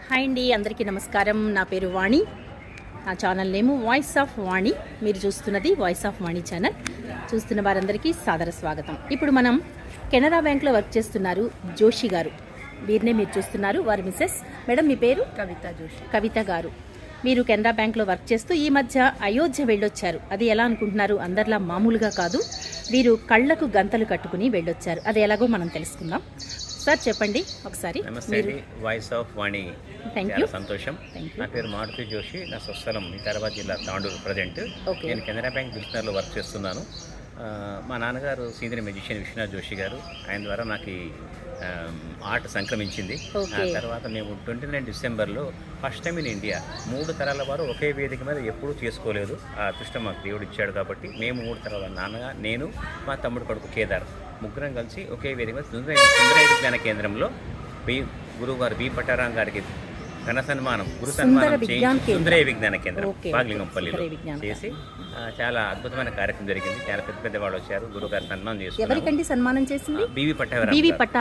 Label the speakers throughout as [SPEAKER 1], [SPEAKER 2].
[SPEAKER 1] Hi అండి, అందరికీ నమస్కారం. నా పేరు వాణి. నా ఛానల్ నేము వాయిస్ ఆఫ్ వాణి. మీరు చూస్తున్నది వాయిస్ ఆఫ్ వాణి ఛానల్. చూస్తున్న వారందరికీ సాదర స్వాగతం. ఇప్పుడు మనం కెనరా బ్యాంక్లో వర్క్ చేస్తున్నారు జోషి గారు. వీరినే మీరు చూస్తున్నారు. వారి మిస్సెస్. మేడం, మీ పేరు?
[SPEAKER 2] కవిత జోషి.
[SPEAKER 1] కవిత గారు, మీరు కెనరా బ్యాంక్లో వర్క్ చేస్తూ ఈ మధ్య అయోధ్య వెళ్ళొచ్చారు. అది ఎలా అనుకుంటున్నారు? అందరిలా మామూలుగా కాదు, వీరు కళ్ళకు గంతలు కట్టుకుని వెళ్ళొచ్చారు. అది ఎలాగో మనం తెలుసుకుందాం. సార్ చెప్పండి ఒకసారి.
[SPEAKER 3] నమస్తే అండి, వాయిస్ ఆఫ్ వాణి. చాలా సంతోషం. నా పేరు మారుతి జోషి. నా స్వస్థలం వికారాబాద్ జిల్లా తాండూరు ప్రజెంట్. నేను కెనరా బ్యాంక్ బిజినెస్లో వర్క్ చేస్తున్నాను. మా నాన్నగారు సీనియర్ మ్యూజిషియన్ విశ్వనాథ్ జోషి గారు. ఆయన ద్వారా నాకు ఆర్ట్ సంక్రమించింది. ఆ తర్వాత మేము 29 డిసెంబర్లో ఫస్ట్ టైం ఇన్ ఇండియా 3 తరాల వారు ఒకే వేదిక మీద ఎప్పుడూ చేసుకోలేదు. ఆ అదృష్టం మాకు దేవుడు ఇచ్చాడు. కాబట్టి మేము 3 తరాల నాన్నగా, నేను, మా తమ్ముడు కొడుకు కేదార్ ముగ్గురం కలిసి ఒకే వేదిక మీద సుందర విజ్ఞాన కేంద్రంలో గురువుగారు బి పట్టారాం గారికి ఘన సన్మానం, గురు సన్మానం సుందరయ్య విజ్ఞాన కేంద్రం బాగ్లింగంపల్లిలో చేసి చాలా అద్భుతమైన కార్యక్రమం జరిగింది. చాలా పెద్ద వాళ్ళు వచ్చారు. గురుగారు సన్మానం చేసుకున్నారు.
[SPEAKER 1] సన్మానం చేసింది
[SPEAKER 3] బివి పట్టాభిరామ్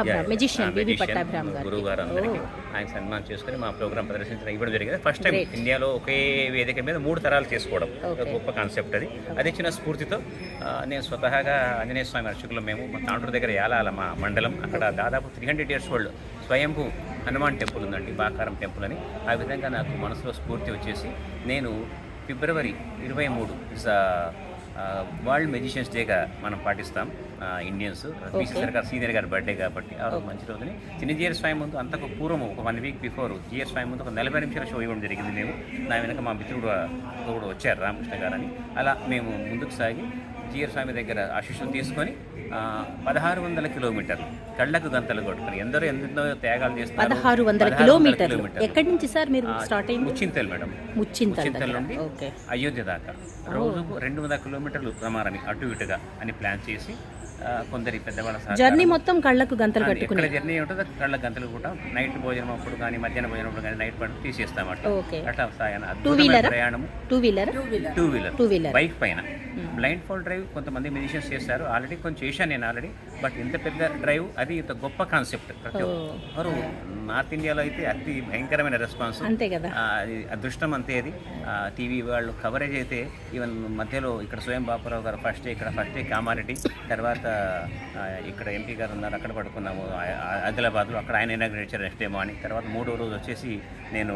[SPEAKER 3] గురువు గారు. అందరికీ ఆయన సన్మానం చేసుకుని మా ప్రోగ్రామ్ ప్రదర్శించడం ఇవ్వడం జరిగింది. ఫస్ట్ టైం ఇండియాలో ఒకే వేదిక మీద 3 తరాలు చేసుకోవడం గొప్ప కాన్సెప్ట్. అది ఇచ్చిన స్ఫూర్తితో నేను స్వతహాగా ఆంజనేయ స్వామి అర్చకులు మేము మా తాండూరు దగ్గర యాలాల మా మండలం, అక్కడ దాదాపు 300 years ఓల్డ్ స్వయంభూ హనుమాన్ టెంపుల్ ఉందండి, బాకారం టెంపుల్ అని. ఆ విధంగా నాకు మనసులో స్ఫూర్తి వచ్చేసి నేను ఫిబ్రవరి 23 వరల్డ్ మెజిషియన్స్ డేగా మనం పాటిస్తాం ఇండియన్స్. సర్కార్ సీనియర్ గారి బర్త్డే కాబట్టి ఆ రోజు మంచి రోజుని చిన్నజీఆర్ స్వామి ముందు అంతకు పూర్వం ఒక 1 week బిఫోర్ జిఆర్ స్వామి ముందు ఒక 40 నిమిషాల షో ఇవ్వడం జరిగింది. మేము నా వెనక మా మిత్రుడు కూడా వచ్చారు, రామకృష్ణ గారు అని. అలా మేము ముందుకు సాగి జిఆర్ స్వామి దగ్గర ఆశీస్సులు తీసుకొని 1600 కిలోమీటర్లు కళ్ళకు గంతలు కొట్టుకుని ఎందరో త్యాగాలు చేస్తున్నారు.
[SPEAKER 1] 1600 కిలోమీటర్లు. ఎక్కడి నుంచి సార్ మీరు స్టార్ట్ అయింది?
[SPEAKER 3] ముచ్చింతల్ మేడం, ముచ్చింతల్ నుండి అయోధ్య దాకా రోజుకు 200 కిలోమీటర్లు ప్రమాణం అటు ఇటుగా అని ప్లాన్ చేసి కొందరి పెద్దవాళ్ళ
[SPEAKER 1] జర్నీ మొత్తం కళ్ళకు గంతలు కట్టుకుని
[SPEAKER 3] జర్నీ ఉంటుందో కళ్ళకు గంతలు కూడా నైట్ భోజనం అప్పుడు కానీ మధ్యాహ్న భోజనం అప్పుడు కానీ నైట్ పడుకు తీసేస్తామట. అట్లా ప్రయాణం టూ వీలర్ బైక్ పైన బ్లైండ్ ఫోల్డ్ డ్రైవ్ కొంతమంది మ్యూజిషియన్స్ చేస్తారు. ఆల్రెడీ కొంచెం చేశాను నేను ఆల్రెడీ. బట్ ఇంత పెద్ద డ్రైవ్ అది ఇంత గొప్ప కాన్సెప్ట్. ప్రతి ఒక్కరు నార్త్ ఇండియాలో అయితే అతి భయంకరమైన రెస్పాన్స్.
[SPEAKER 1] అంతే కదా,
[SPEAKER 3] అది అదృష్టం అంతే. అది టీవీ వాళ్ళు కవరేజ్ అయితే ఈవెన్ మధ్యలో ఇక్కడ స్వయం బాపురావు గారు ఫస్ట్ డే కామారెడ్డి, తర్వాత ఇక్కడ ఎంపీ గారు ఉన్నారు, అక్కడ పడుకున్నాము ఆదిలాబాద్లో. అక్కడ ఆయన ఇనాగ్రేట్ నెక్స్ట్ డే మార్నింగ్. తర్వాత 3వ రోజు వచ్చేసి నేను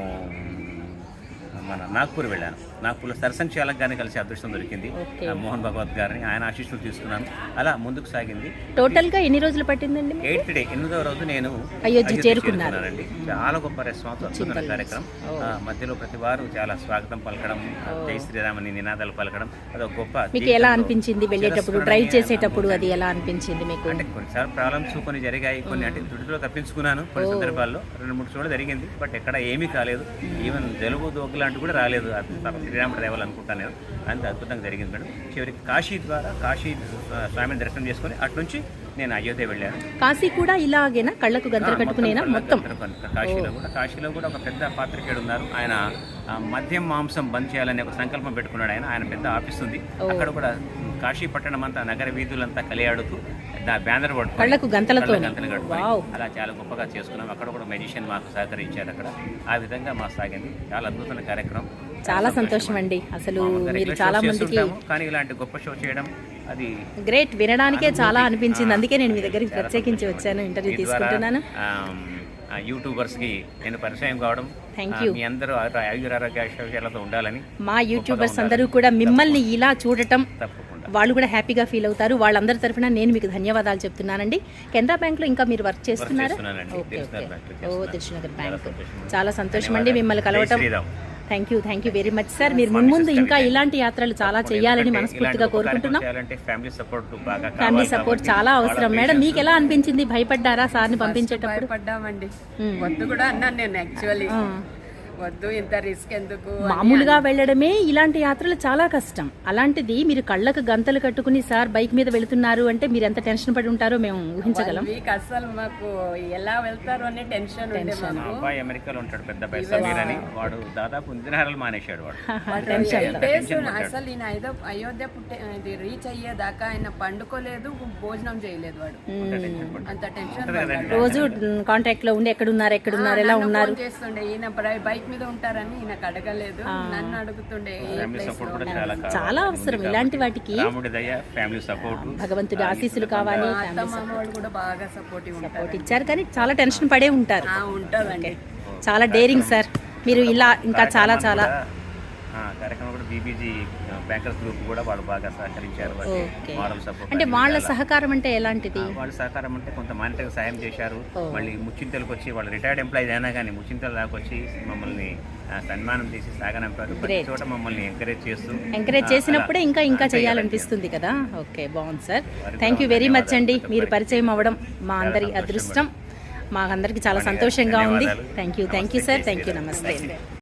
[SPEAKER 3] మన నాగ్పూర్ వెళ్ళాను. నాగ్పూర్లో సరసంగ్ చాలక్ గారిని కలిసి అదృష్టం దొరికింది, మోహన్ భగవత్ గారిని. ఆయన ఆశీస్సులు తీసుకున్నాను. అలా ముందుకు సాగింది.
[SPEAKER 1] టోటల్ గా ఎన్ని రోజులు పట్టిందండి?
[SPEAKER 3] 8th డే 8వ రోజు నేను
[SPEAKER 1] అయోధ్య చేరుకున్నానండి.
[SPEAKER 3] చాలా గొప్ప రెస్పాన్స్, అద్భుతమైన కార్యక్రమం. మధ్యలో ప్రతి వారు చాలా స్వాగతం పలకడం, జై శ్రీరామని నినాదాలు పలకడం, అదొక గొప్ప.
[SPEAKER 1] మీకు ఎలా అనిపించింది వెళ్ళేటప్పుడు, డ్రైవ్ చేసేటప్పుడు? అది ఎలా అనిపించింది మీకు?
[SPEAKER 3] అంటే కొన్నిసార్లు ప్రాబ్లమ్స్ కొన్ని జరిగాయి, కొన్ని అంటే తుడిలో తప్పించుకున్నాను కొన్ని సందర్భాల్లో. 2-3 చోట్ల జరిగింది, బట్ ఎక్కడ ఏమీ కాలేదు. ఈవెన్ జలుబు దోగులు కూడా రాలేదు. శ్రీరాముడు రేవాలి అనుకుంటాను నేను. అంత అద్భుతంగా జరిగింది మేడం. చివరికి కాశీ స్వామిని దర్శనం చేసుకుని అటు నుంచి నేను అయోధ్య వెళ్ళాను.
[SPEAKER 1] కాశీ కూడా ఇలాగేనా కళ్ళకు గంతలు కట్టుకునేనా? మొత్తం
[SPEAKER 3] కాశీలో కూడా ఒక పెద్ద పాత్రికేయుడు ఉన్నారు. ఆయన మద్యం మాంసం బంద్ చేయాలని ఒక సంకల్పం పెట్టుకున్నాడు. ఆయన పెద్ద ఆఫీస్ ఉంది. అక్కడ కూడా కాశీ పట్టణం అంతా నగర వీధులంతా కలియాడుతూ బ్యానర్ పట్టుకుని
[SPEAKER 1] కళ్ళకు గంతలు
[SPEAKER 3] కట్టుకుని అలా చాలా గొప్పగా చేసుకున్నాం. అక్కడ కూడా మెజిషియన్ మాకు సహకరించారు. అక్కడ ఆ విధంగా మా సాగింది. చాలా అద్భుతమైన కార్యక్రమం.
[SPEAKER 1] చాలా సంతోషం అండి. అసలు మీరు చాలా మందికి,
[SPEAKER 3] కానీ ఇలాంటి గొప్ప షో చేయడం అది
[SPEAKER 1] గ్రేట్. వినడానికే చాలా అనిపించింది. అందుకే నేను మీ దగ్గరికి ప్రత్యేకించి వచ్చాను, ఇంటర్వ్యూ తీసుకుంటున్నాను.
[SPEAKER 3] యూట్యూబర్స్ కి నేను పరిచయం కావడం, మీ అందరూ ఆరోగ్యాలతో ఉండాలని.
[SPEAKER 1] మా యూట్యూబర్స్ అందరూ కూడా మిమ్మల్ని ఇలా చూడటం వాళ్ళు కూడా హ్యాపీగా ఫీల్ అవుతారు. వాళ్ళందరి తరఫున నేను మీకు ధన్యవాదాలు చెప్తున్నానండి. కెనరా బ్యాంక్లో ఇంకా మీరు వర్క్ చేస్తున్నారు? దిల్సుఖ్నగర్ బ్యాంక్. చాలా సంతోషం అండి మిమ్మల్ని కలవటం. Thank you very much sir. మీరు ముందు ఇంకా ఇలాంటి యాత్రలు చాలా చేయాలని మనస్ఫూర్తిగా కోరుకుంటున్నాం. ఫ్యామిలీ సపోర్ట్ చాలా అవసరం. మేడం, మీకు ఎలా అనిపించింది? భయపడ్డారా సార్ని పంపించేటప్పుడు?
[SPEAKER 2] భయపడ్డామండి. వద్దు కూడా అన్నాను నేను. యాక్చువల్లీ వద్దు ఇంత రిస్క్ ఎందుకు అని
[SPEAKER 1] మామూలుగా వెళ్ళడమే ఇలాంటి యాత్రలు చాలా కష్టం. అలాంటిది మీరు కళ్ళకు గంతలు కట్టుకుని సార్ బైక్ మీద వెళుతున్నారు అంటే మీరు ఎంత టెన్షన్ పడి ఉంటారో మేము ఊహించగలం.
[SPEAKER 2] వీక్ అసలు మాకు ఎలా వెళ్తారు అనే టెన్షన్ ఉండే
[SPEAKER 3] మా
[SPEAKER 2] మాకు.
[SPEAKER 3] అబ్బాయి అమెరికాలో ఉంటాడు, పెద్ద అబ్బాయి సమీర్ అని. వాడు దాదాపు 8 నెలలు మానేశాడు వాడు.
[SPEAKER 2] అసలు ఈయన అయోధ్య రీచ్ అయ్యేదాకా ఆయన పండుకోలేదు, భోజనం చేయలేదు వాడు. అంత టెన్షన్
[SPEAKER 1] రోజు కాంటాక్ట్ లో ఉండి ఎక్కడున్నారు ఎలా ఉన్నారు
[SPEAKER 2] చేస్తుండే. ఈయన బైక్ మీద ఉంటారని ఈయనకు అడగలేదు, నన్ను అడుగుతుండే.
[SPEAKER 3] ఫ్యామిలీ సపోర్ట్ కూడా చాలా
[SPEAKER 1] చాలా అవసరం ఇలాంటి వాటికి.
[SPEAKER 3] రాముడి దయ, ఫ్యామిలీ సపోర్ట్,
[SPEAKER 1] భగవంతుడి ఆశీస్సులు కావాలి.
[SPEAKER 2] అమ్మ వాళ్ళు కూడా బాగా సపోర్టివ్
[SPEAKER 1] సపోర్ట్ ఇచ్చారు కానీ చాలా టెన్షన్ పడే ఉంటారు.
[SPEAKER 2] ఉంటుందండి.
[SPEAKER 1] చాలా డేరింగ్ సార్ మీరు. ఇలా ఇంకా చాలా చాలా
[SPEAKER 3] కార్యక్రమం కూడా బీబీజీ బ్యాంకర్స్ గ్రూప్ కూడా వాళ్ళు బాగా సహకరించారు. మోరల్ సపోర్ట్
[SPEAKER 1] అంటే వాళ్ళ సహకారం అంటే ఎలాంటిది?
[SPEAKER 3] వాళ్ళ సహకారం అంటే కొంత మానిటరీ సాయం చేశారు. మళ్ళీ ముచ్చింతలకు వచ్చి వాళ్ళు రిటైర్డ్ ఎంప్లాయీస్ అయినా కానీ ముచ్చింతల దాకా వచ్చి మమ్మల్ని సన్మానం చేసి సాగనంపారు. ప్రతి చోట మమ్మల్ని ఎంకరేజ్
[SPEAKER 1] చేసినప్పుడే ఇంకా చేయాలనిపిస్తుంది కదా. ఓకే, బాగుంది sir. Thank you very much అండి. మీరు పరిచయం అవ్వడం మా అందరి అదృష్టం. మాకందరికి చాలా సంతోషంగా ఉంది. Thank you sir. Thank you. నమస్తే.